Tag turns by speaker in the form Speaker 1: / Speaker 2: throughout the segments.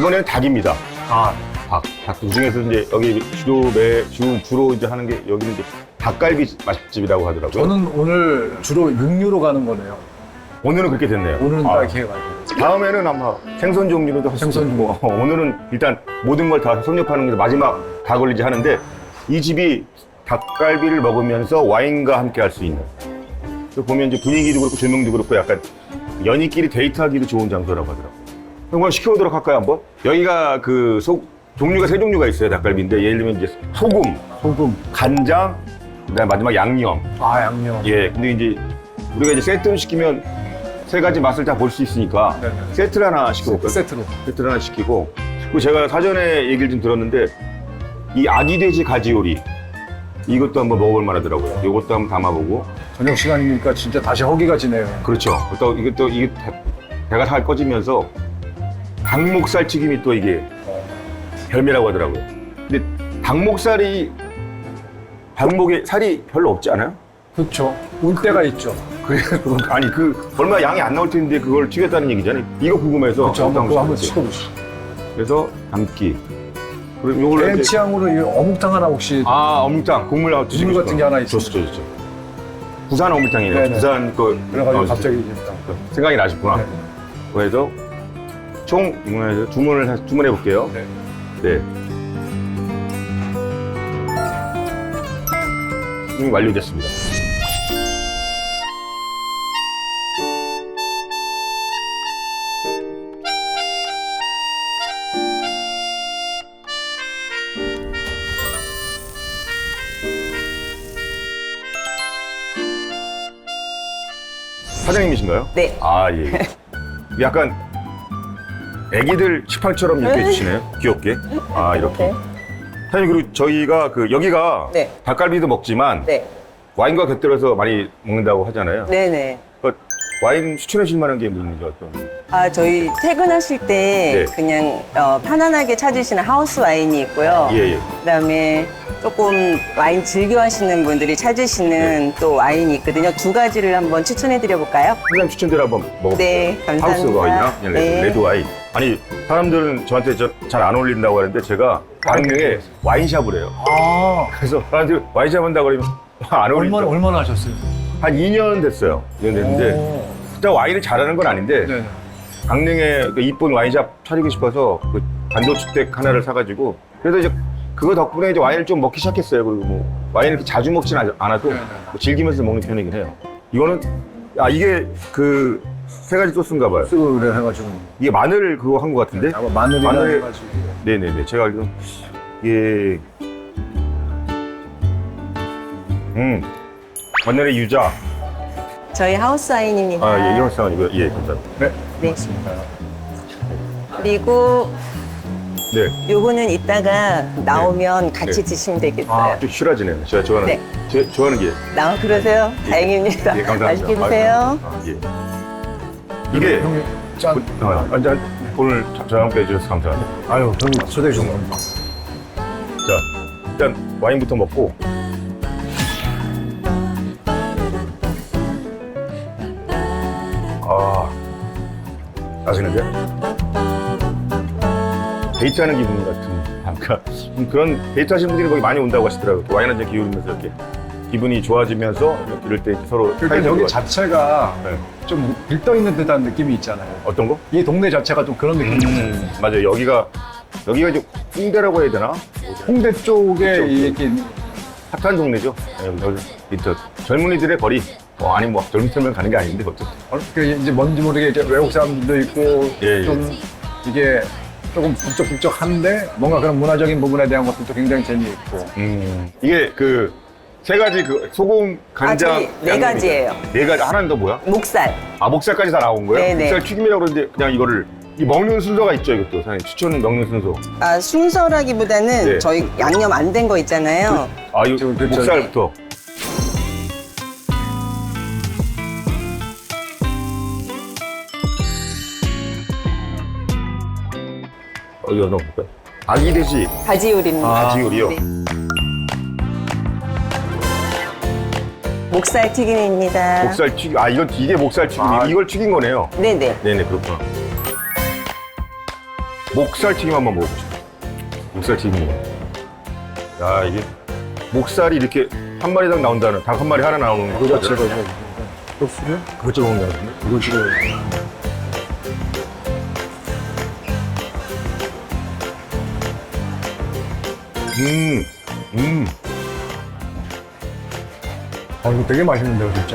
Speaker 1: 이번에는 닭입니다.
Speaker 2: 아,
Speaker 1: 닭. 그 중에서 이제 여기 주로 이제 하는 게 여기는 이제 닭갈비 맛집이라고 하더라고요.
Speaker 2: 저는 오늘 주로 육류로 가는 거네요.
Speaker 1: 오늘은 그렇게 됐네요.
Speaker 2: 오늘은
Speaker 1: 아,
Speaker 2: 딱 해가지고.
Speaker 1: 다음에는 아마 생선 종류로도 할 수
Speaker 2: 생선
Speaker 1: 있고 오늘은 일단 모든 걸 다 섭렵하는 게 마지막 닭 올리지 하는데 이 집이 닭갈비를 먹으면서 와인과 함께 할 수 있는 또 보면 이제 분위기도 그렇고 조명도 그렇고 약간 연인끼리 데이트하기도 좋은 장소라고 하더라고요. 그럼 시켜보도록 할까요 한번? 여기가 그 종류가 세 종류가 있어요 닭갈비인데 예를 들면 이제 소금, 간장, 그다음 마지막 양념.
Speaker 2: 아, 양념.
Speaker 1: 예, 근데 이제 우리가 이제 세트를 시키면 세 가지 맛을 다 볼 수 있으니까
Speaker 2: 네네.
Speaker 1: 세트를 하나 시켜볼까요?
Speaker 2: 세트로.
Speaker 1: 세트를 하나 시키고 그리고 제가 사전에 얘기를 좀 들었는데 이 아기 돼지 가지 요리 이것도 한번 먹어볼 만하더라고요. 이것도 한번 담아보고
Speaker 2: 저녁 시간이니까 진짜 다시 허기가 지네요.
Speaker 1: 그렇죠. 또 이게 배가 살 꺼지면서 닭목살 튀김이 또 이게 별미라고 하더라고요. 근데 닭목에 살이 별로 없지 않아요?
Speaker 2: 그렇죠. 울 때가 있죠.
Speaker 1: 아니 얼마 양이 안 나올 텐데 그걸 튀겼다는 얘기잖아요. 이거 궁금해서
Speaker 2: 그렇죠. 한번 시켜보시죠.
Speaker 1: 그래서 담기. 그리고 요걸
Speaker 2: 개인 취향으로 이 어묵탕 하나 혹시
Speaker 1: 어묵탕 국물 나와
Speaker 2: 국물 같은 게 하나 있어요.
Speaker 1: 좋죠. 부산 어묵탕이에요.
Speaker 2: 네네.
Speaker 1: 부산 거
Speaker 2: 그래가지고 갑자기 이제
Speaker 1: 생각이 나셨구나.
Speaker 2: 네.
Speaker 1: 그래서 총 주문해 볼게요.
Speaker 2: 네.
Speaker 1: 네. 주문이 완료됐습니다. 사장님이신가요?
Speaker 3: 네.
Speaker 1: 아, 예. 약간 애기들 식판처럼 이렇게 해주시네요. 귀엽게. 아, 이렇게.
Speaker 3: 네.
Speaker 1: 사장님, 그리고 저희가 여기가
Speaker 3: 네.
Speaker 1: 닭갈비도 먹지만
Speaker 3: 네.
Speaker 1: 와인과 곁들여서 많이 먹는다고 하잖아요.
Speaker 3: 네네.
Speaker 1: 와인 추천해 주실 만한 게 있는지 어떤?
Speaker 3: 아, 저희 퇴근하실 때
Speaker 1: 네.
Speaker 3: 그냥 편안하게 찾으시는 하우스 와인이 있고요.
Speaker 1: 예.
Speaker 3: 그다음에 조금 와인 즐겨 하시는 분들이 찾으시는 또 와인이 있거든요. 두 가지를 한번 추천해 드려 볼까요?
Speaker 1: 사장님 추천대로 한번 먹어볼게요.
Speaker 3: 네, 감사합니다.
Speaker 1: 하우스 와인이나 그냥
Speaker 3: 네.
Speaker 1: 레드 와인. 아니, 사람들은 저한테 잘 안 어울린다고 하는데 제가 강릉에 와인샵을 해요.
Speaker 2: 아,
Speaker 1: 그래서 사람들이 와인샵 한다고 그러면 안 어울린다.
Speaker 2: 얼마나 하셨어요?
Speaker 1: 한 2년 됐어요. 2년 됐는데
Speaker 2: 오.
Speaker 1: 진짜 와인을 잘하는 건 아닌데
Speaker 2: 네.
Speaker 1: 강릉에 그 이쁜 와인샵 차리고 싶어서 그 단독주택 하나를 사가지고 그래서 이제 그거 덕분에 이제 와인을 좀 먹기 시작했어요. 그리고 뭐 와인을 이렇게 자주 먹진 않아도
Speaker 2: 네네.
Speaker 1: 뭐 즐기면서 먹는 편이긴 해요. 이거는 이게 그 세 가지 소스인가 봐요.
Speaker 2: 그래 해가지고
Speaker 1: 이게 마늘 그거 한 것 같은데?
Speaker 2: 아마 마늘이라
Speaker 1: 마늘-
Speaker 2: 해가지고
Speaker 1: 네네네. 제가 알기로 이게 마늘의 유자.
Speaker 3: 저희 하우스 와인입니다.
Speaker 1: 예, 이런 상황이고요. 예, 감사합니다.
Speaker 2: 네,
Speaker 3: 네.
Speaker 2: 맞습니다.
Speaker 3: 그리고
Speaker 1: 네.
Speaker 3: 요거는 이따가 나오면 같이
Speaker 1: 네.
Speaker 3: 드시면 되겠어요.
Speaker 1: 좀 실화지네요. 제가 좋아하는
Speaker 3: 네.
Speaker 1: 좋아하는 게.
Speaker 3: 그러세요?
Speaker 1: 예.
Speaker 3: 다행입니다.
Speaker 1: 예, 감사합니다.
Speaker 3: 맛있게 드세요.
Speaker 1: 예. 이게
Speaker 2: 형님 짠.
Speaker 1: 한잔 오늘 저와 함께 해주셔서 감사합니다.
Speaker 2: 아유, 형님 초대해 주신 겁니다.
Speaker 1: 자, 일단 와인부터 먹고. 맛있는데? 데이트하는 기분 같은. 그러니까 그런 데이트하시는 분들이 거기 많이 온다고 하시더라고요. 와인 한잔 기울이면서 이렇게 기분이 좋아지면서 이럴 때 서로
Speaker 2: 일단
Speaker 1: 사이좋은
Speaker 2: 여기
Speaker 1: 것 같아요.
Speaker 2: 자체가
Speaker 1: 네.
Speaker 2: 좀 들떠있는 듯한 느낌이 있잖아요.
Speaker 1: 어떤 거?
Speaker 2: 이 동네 자체가 좀 그런 느낌이 있어요.
Speaker 1: 맞아요. 여기가 이제 홍대라고 해야 되나?
Speaker 2: 홍대 쪽에
Speaker 1: 그쪽.
Speaker 2: 이렇게
Speaker 1: 핫한 동네죠. 젊은이들의 거리. 아니 뭐 젊은이들만 가는 게 아닌데 어쨌든.
Speaker 2: 이제 뭔지 모르게 이제 외국 사람들도 있고
Speaker 1: 예.
Speaker 2: 좀 이게 조금 북적북적한데 뭔가 그런 문화적인 부분에 대한 것들도 굉장히 재미있고.
Speaker 1: 이게 그 세 가지 그 소금, 간장,
Speaker 3: 저희 네 가지예요.
Speaker 1: 네 가지. 하나는 더 뭐야?
Speaker 3: 목살.
Speaker 1: 목살까지 다 나온 거예요?
Speaker 3: 네네.
Speaker 1: 목살 튀김이라고 그러는데 그냥 이거를 이 먹는 순서가 있죠, 이것도 사장님 추천 먹는 순서.
Speaker 3: 순서라기보다는
Speaker 1: 네.
Speaker 3: 저희 양념 안 된 거 있잖아요.
Speaker 1: 이거
Speaker 2: 지금 그렇죠.
Speaker 1: 목살부터. 이거 넣어볼까요? 아기 돼지
Speaker 3: 가지 요리입니다.
Speaker 1: 가지 요리요.
Speaker 3: 네. 목살 튀김입니다.
Speaker 1: 목살 튀김. 이게 목살 튀김. 이걸 튀긴 거네요.
Speaker 3: 네네.
Speaker 1: 네네, 그렇구나. 목살튀김 한번 먹어보고 싶어. 목살튀김. 야, 이게 목살이 이렇게 한 마리당 나온다는, 닭 한 마리 하나 나오는 거.
Speaker 2: 그거 찍어서 소스를
Speaker 1: 그것 좀 먹는 거 같은데?
Speaker 2: 이거 찍어요. 이거 되게 맛있는데요, 진짜.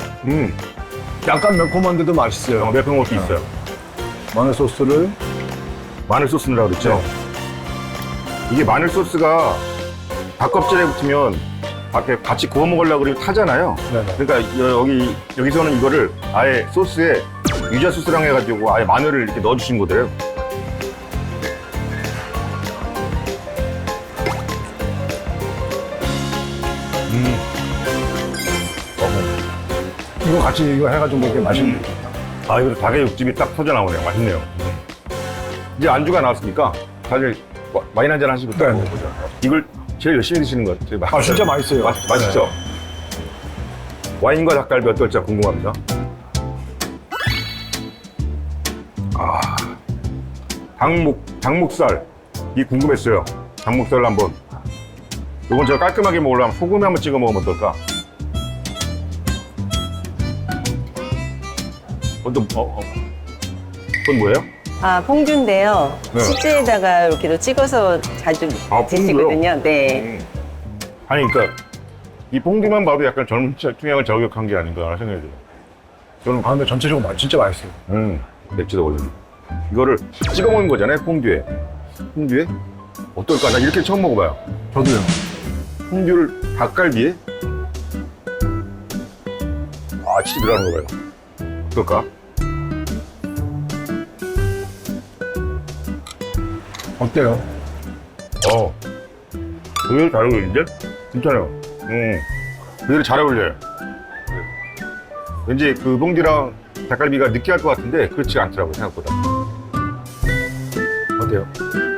Speaker 2: 약간 매콤한데도 맛있어요.
Speaker 1: 매콤한 것도 있어요.
Speaker 2: 마늘 소스를
Speaker 1: 마늘 소스 넣으라고 그랬죠? 이게 마늘 소스가 닭 껍질에 붙으면 밖에 같이 구워 먹으려고 그러면 타잖아요.
Speaker 2: 네네.
Speaker 1: 그러니까 여기서는 이거를 아예 소스에 유자 소스랑 해가지고 아예 마늘을 이렇게 넣어주신 거래요.
Speaker 2: 이거 같이 이거 해가지고 먹기 맛있네.
Speaker 1: 아, 이거 닭의 육즙이 딱 터져 나오네요. 맛있네요. 이제 안주가 나왔으니까 다들 와인 한잔 하시고 딱
Speaker 2: 네.
Speaker 1: 먹어보자. 이걸 제일 열심히 드시는 것 같아요.
Speaker 2: 진짜 맛있어요.
Speaker 1: 맛있죠? 와인과 닭갈비 어떨지 궁금합니다. 아, 닭목살. 이 궁금했어요. 닭목살을 한번. 이건 제가 깔끔하게 먹으려면 소금에 한번 찍어 먹으면 어떨까? 그건 뭐예요?
Speaker 3: 아, 퐁듀인데요.
Speaker 1: 네.
Speaker 3: 치즈에다가 이렇게도 찍어서 자주 드시거든요. 네.
Speaker 1: 아니, 그러니까 이 퐁듀만 봐도 약간 젊은 투명을 저격한 게 아닌가 생각이 들어요. 저는
Speaker 2: 근데 전체적으로 진짜 맛있어요.
Speaker 1: 맥주도 올리네. 이거를 찍어 먹는 거잖아요, 퐁듀에. 퐁듀에? 어떨까? 나 이렇게 처음 먹어봐요.
Speaker 2: 저도요.
Speaker 1: 퐁듀를 닭갈비에? 아, 치즈 들어가는 거 봐요. 어떨까?
Speaker 2: 어때요?
Speaker 1: 의외로 잘 어울리는데? 괜찮아요. 의외로 잘 어울려요. 왠지 그 퐁듀랑 닭갈비가 느끼할 것 같은데 그렇지 않더라고요, 생각보다. 어때요?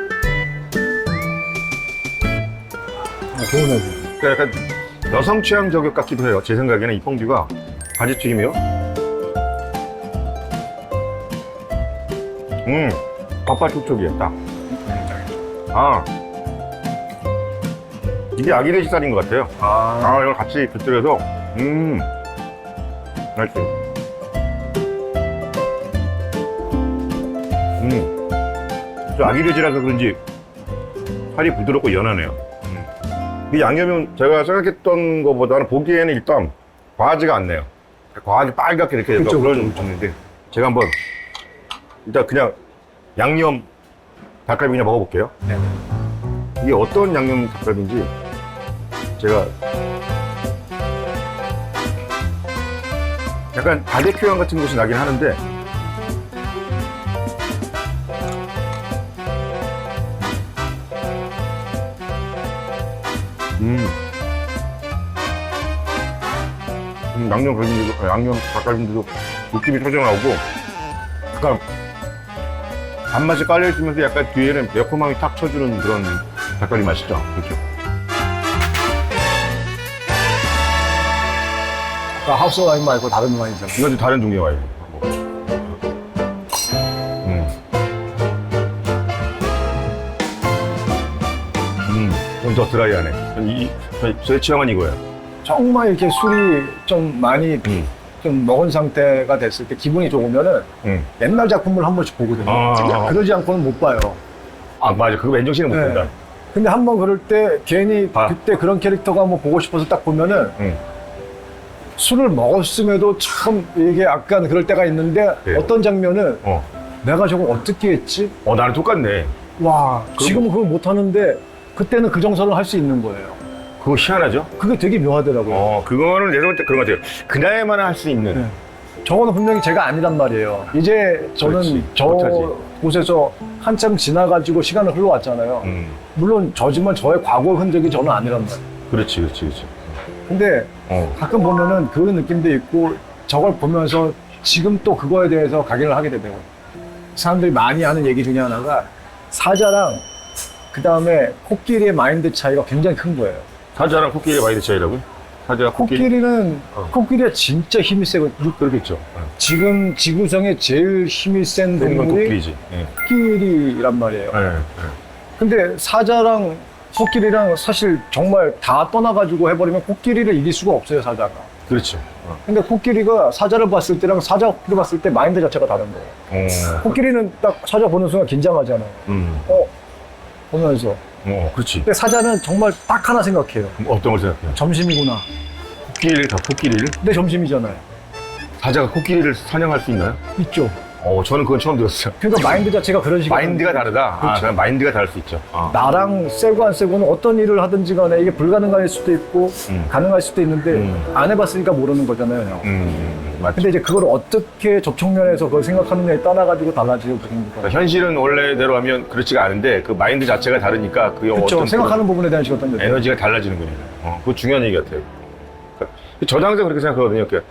Speaker 2: 좋은
Speaker 1: 그러니까 약간 여성 취향 저격 같기도 해요. 제 생각에는 이 퐁듀가 가지튀김이요. 밥밥 촉촉이에요, 딱. 아, 이게 아기 돼지살인 것 같아요. 이걸 같이 곁들여서, 맛있어요. 저 아기 돼지라서 그런지 살이 부드럽고 연하네요. 이 양념은 제가 생각했던 것보다는 보기에는 일단 과하지가 않네요. 과하게 빨갛게 이렇게
Speaker 2: 그쵸,
Speaker 1: 그런 종류인데 제가 한번 일단 그냥 양념 닭갈비 그냥 먹어볼게요.
Speaker 2: 네.
Speaker 1: 이게 어떤 양념 닭갈비인지 제가 약간 바베큐 향 같은 것이 나긴 하는데 양념 닭갈비인데도 육즙이 터져 나오고 약간 단맛이 깔려 있으면서 약간 뒤에는 매콤함이 탁 쳐주는 그런 닭갈비 맛이죠. 그렇죠.
Speaker 2: 하우스 와인 말고 다른 와인이잖아요.
Speaker 1: 이건 좀 다른 종류의 와인. 좀 더 드라이하네. 저의 취향은 이거예요.
Speaker 2: 정말 이렇게 술이 좀 많이 좀 먹은 상태가 됐을 때 기분이 좋으면은 옛날 작품을 한 번씩 보거든요. 그러지 않고는 못 봐요.
Speaker 1: 아, 맞아. 그거 맨정신에 못
Speaker 2: 네.
Speaker 1: 본다.
Speaker 2: 근데 한 번 그럴 때 괜히
Speaker 1: 아.
Speaker 2: 그때 그런 캐릭터가 한번 보고 싶어서 딱 보면은 술을 먹었음에도 참 이게 약간 그럴 때가 있는데
Speaker 1: 네.
Speaker 2: 어떤 장면은
Speaker 1: 어.
Speaker 2: 내가 저걸 어떻게 했지?
Speaker 1: 나랑 똑같네.
Speaker 2: 와, 지금은 그걸 못 하는데 그때는 그 정서를 할 수 있는 거예요.
Speaker 1: 그거 희한하죠?
Speaker 2: 그게 되게 묘하더라고요.
Speaker 1: 그거는 내가 볼 때 그런 것 같아요. 그날만 할 수 있는.
Speaker 2: 네. 저거는 분명히 제가 아니란 말이에요. 이제 저는
Speaker 1: 그렇지.
Speaker 2: 저
Speaker 1: 못하지.
Speaker 2: 곳에서 한참 지나가지고 시간을 흘러왔잖아요. 물론 저지만 저의 과거 흔적이 저는 아니란 말이에요.
Speaker 1: 그렇지.
Speaker 2: 근데 가끔 보면은 그런 느낌도 있고 저걸 보면서 지금 또 그거에 대해서 각인을 하게 되더라고요. 사람들이 많이 하는 얘기 중에 하나가 사자랑 그 다음에 코끼리의 마인드 차이가 굉장히 큰 거예요.
Speaker 1: 사자랑 코끼리의 마인드 차이라고요? 사자, 코끼리.
Speaker 2: 코끼리는 코끼리가 진짜 힘이 세거든요.
Speaker 1: 그렇겠죠.
Speaker 2: 지금 지구상에 제일 힘이 센
Speaker 1: 건
Speaker 2: 동물이
Speaker 1: 코끼리지. 예.
Speaker 2: 코끼리란 말이에요.
Speaker 1: 예, 예.
Speaker 2: 근데 사자랑 코끼리랑 사실 정말 다 떠나가지고 해버리면 코끼리를 이길 수가 없어요, 사자가.
Speaker 1: 그렇죠.
Speaker 2: 근데 코끼리가 사자를 봤을 때랑 사자 코끼리 봤을 때 마인드 자체가 다른 거예요. 코끼리는 딱 사자 보는 순간 긴장하잖아요. 보면서.
Speaker 1: 그렇지.
Speaker 2: 근데 사자는 정말 딱 하나 생각해요.
Speaker 1: 어떤 걸 생각해요?
Speaker 2: 점심이구나.
Speaker 1: 코끼리를?
Speaker 2: 근데 점심이잖아요.
Speaker 1: 사자가 코끼리를 사냥할 수 있나요?
Speaker 2: 있죠.
Speaker 1: 저는 그건 처음 들었어요.
Speaker 2: 그러니까 마인드 자체가 그런 식이에요.
Speaker 1: 마인드가 다르다?
Speaker 2: 그렇죠.
Speaker 1: 그냥 마인드가 다를 수 있죠.
Speaker 2: 나랑 세고 안 세고는 어떤 일을 하든지 간에 이게 불가능할 수도 있고 가능할 수도 있는데 안 해봤으니까 모르는 거잖아요.
Speaker 1: 맞죠.
Speaker 2: 근데 이제 그걸 어떻게 접촉면에서 그걸 생각하느냐에 따라가지고 달라지고 그런 거예요.
Speaker 1: 그러니까 현실은 원래대로 하면 그렇지가 않은데 그 마인드 자체가 다르니까 그
Speaker 2: 그렇죠.
Speaker 1: 어떤
Speaker 2: 생각하는 부분에 대한 어떤
Speaker 1: 그런 에너지가 달라지는 거예요. 그거 중요한 얘기 같아요. 그러니까 저도 항상 그렇게 생각하거든요. 그러니까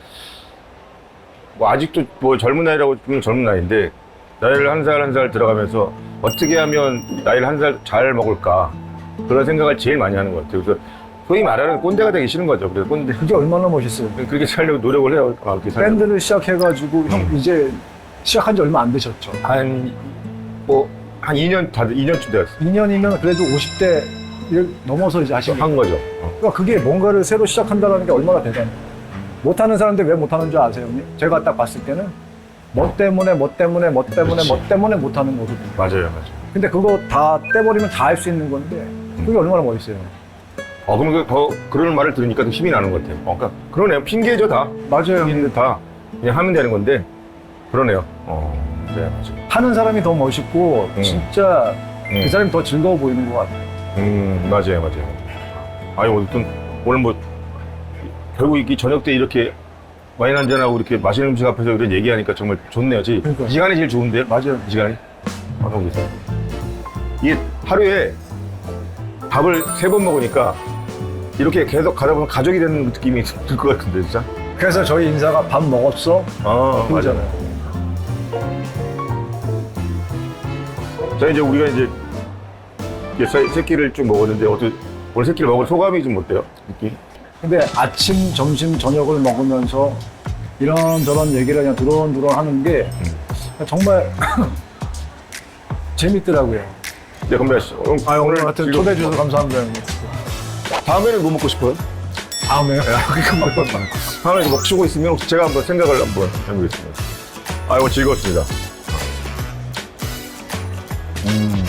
Speaker 1: 뭐 아직도 뭐 젊은 나이라고 보면 젊은 나이인데 나이를 한 살 한 살 들어가면서 어떻게 하면 나이를 한 살 잘 먹을까 그런 생각을 제일 많이 하는 것 같아요. 그래서 소위 말하는 꼰대가 되기 싫은 거죠. 그래서 꼰대
Speaker 2: 그게 얼마나 멋있어요.
Speaker 1: 그렇게 살려고 노력을 해요. 그렇게 살려고.
Speaker 2: 밴드를 시작해가지고 형 이제 시작한 지 얼마 안 되셨죠?
Speaker 1: 한 2년 다들 2년쯤 되었어요.
Speaker 2: 2년이면 그래도 50대를 넘어서 이제 하시는
Speaker 1: 한 거죠.
Speaker 2: 그러니까 그게 뭔가를 새로 시작한다는 게 얼마나 대단해요. 못하는 사람들 왜 못하는 줄 아세요? 형님? 제가 딱 봤을 때는 뭐 때문에 못하는 거거든요.
Speaker 1: 맞아요.
Speaker 2: 근데 그거 다 떼버리면 다 할 수 있는 건데 그게 얼마나 멋있어요.
Speaker 1: 그럼 더 그런 말을 들으니까 더 힘이 나는 것 같아요. 그러니까 그러네요. 핑계죠 다.
Speaker 2: 맞아요.
Speaker 1: 핑계인데 다 그냥 하면 되는 건데 그러네요. 네, 맞아요.
Speaker 2: 하는 사람이 더 멋있고 진짜 그 사람이 더 즐거워 보이는 것 같아요.
Speaker 1: 맞아요. 아니 오늘 뭐 결국 이 저녁 때 이렇게 와인 한잔하고 이렇게 맛있는 음식 앞에서 이런 얘기하니까 정말 좋네요. 이
Speaker 2: 그러니까요.
Speaker 1: 시간이 제일 좋은데요?
Speaker 2: 맞아요.
Speaker 1: 이 시간이? 너무 좋어요. 이게 하루에 밥을 3번 먹으니까 이렇게 계속 가다 보면 가족이 되는 느낌이 들 것 같은데 진짜?
Speaker 2: 그래서 저희 인사가 밥 먹었어? 그러잖아요.
Speaker 1: 자 이제 우리가 이제 새끼를 쭉 먹었는데 오늘 새끼를 먹은 소감이 좀 어때요? 느낌?
Speaker 2: 근데 아침, 점심, 저녁을 먹으면서 이런저런 얘기를 그냥 두런두런 하는 게 정말 재밌더라고요.
Speaker 1: 네, 건배하시죠.
Speaker 2: 오늘 하여튼 초대해 주셔서 감사합니다, 형님.
Speaker 1: 다음에는 뭐 먹고 싶어요?
Speaker 2: 다음에요?
Speaker 1: 다음에 이거 먹고 있으면 혹시 제가 한번 생각을 한번 해보겠습니다. 즐거웠습니다.